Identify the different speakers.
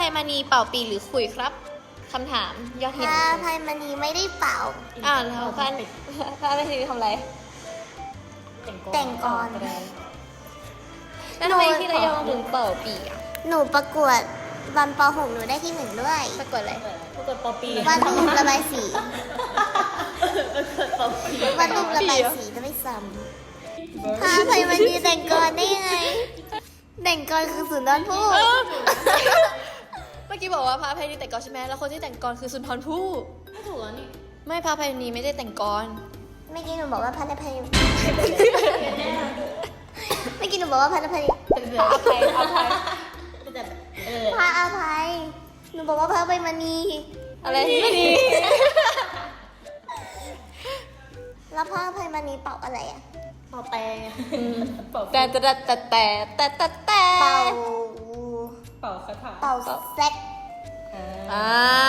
Speaker 1: ยมณีเป่าปีหรือขุยครับคำถามยอดฮิต
Speaker 2: พระอภัยมณีไม่ได้เป่า
Speaker 1: แล้วพระอภัยมณีทำอะไร
Speaker 2: แต่งกลอน
Speaker 1: แล้วทำไมที่ระยองถึงเป่าปีอ่ะ
Speaker 2: หนูประกวดวันป .6 หนูได้ที่ 1ด้วย
Speaker 1: ประกวดอะไร
Speaker 3: ปรากฏปอปี
Speaker 2: วาดรูประบายสี
Speaker 3: ปอปี
Speaker 2: วาดรูประบายสีจะไม่ซ้ำพระอภัยมณีแต่งกลอนได้ยังไง แต่งกลอนคือสุนทรภู่
Speaker 1: เมื่อกี้บอกว่าพระอภัยมณีแต่งกลอนใช่ไหมแล้วคนที่แต่งกลอนคือสุนทรภู่
Speaker 3: ไม่ถูกแล้วนี่
Speaker 1: ไม่พระอภัยมณีไม่ได้แต่งกลอน
Speaker 2: เมื่อกี้หนูบอกว่าพระอภัยเมื่อกี้หนูบอกว่าพระอภัย
Speaker 1: อภัย
Speaker 3: แต่แบบ
Speaker 2: พระอภัยหนูบอกว่าพระอภัยมณี
Speaker 1: อะไรไม่ดี
Speaker 2: แล้วพระอภัยมณีเป่าอะไรอ่ะ
Speaker 3: เป่าแต่เป่า
Speaker 1: แต่
Speaker 2: เป่า
Speaker 3: เป่าคาถา
Speaker 2: เป่าแซก
Speaker 1: อ่า